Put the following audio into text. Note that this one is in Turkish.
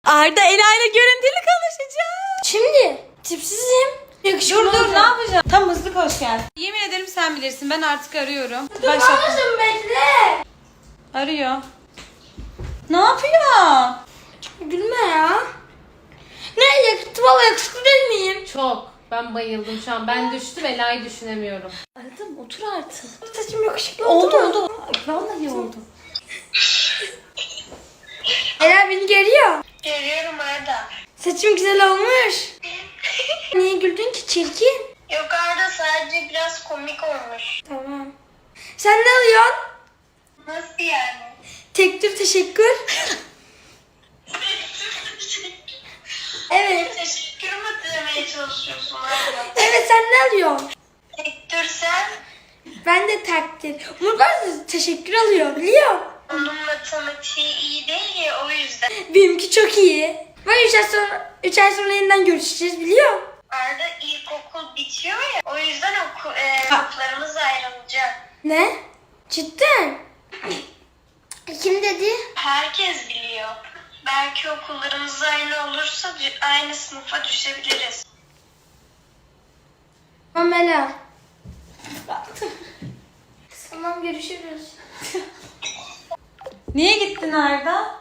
Arda Ela ile görüntülü konuşacağız. Şimdi tipsizim. Yakışıklı Dur ne yapacağım? Tam hızlı koş gel. Yemin ederim sen bilirsin. Ben artık arıyorum. Başlatın bekle. Arıyor. Ne yapıyor? Gülme ya. Ne yakışıklı, valla yakışıklı değil miyim? Çok. Ben bayıldım şu an. Ben düştüm, Ela'yı düşünemiyorum. Aradım, otur artık. Saçım yakışıklı oldu mu? Vallahi oldu. Ela beni görüyor. Görüyorum Arda. Saçım güzel olmuş. Niye güldün ki, çirkin? Yok Arda, sadece biraz komik olmuş. Tamam. Sen ne alıyorsun? Nasıl yani? Tek tür teşekkür. Evet. Teşekkür mü demeye çalışıyorsun Arda? Evet, sen ne alıyorsun? Tek dur sen. Ben de takdir. Umut bazı teşekkür alıyor, biliyor. Onun matematiği iyi değil ya, o yüzden. Benimki çok iyi. Ve 3 ay sonra yeniden görüşeceğiz, biliyor. Arda ilkokul bitiyor ya, o yüzden okullarımız ayrılacak. Ne? Cidden? Kim dedi? Herkes biliyor. Belki okullarımız aynı olursa aynı sınıfa düşebiliriz. Amela. Tamam, görüşürüz. Niye gittin Arda?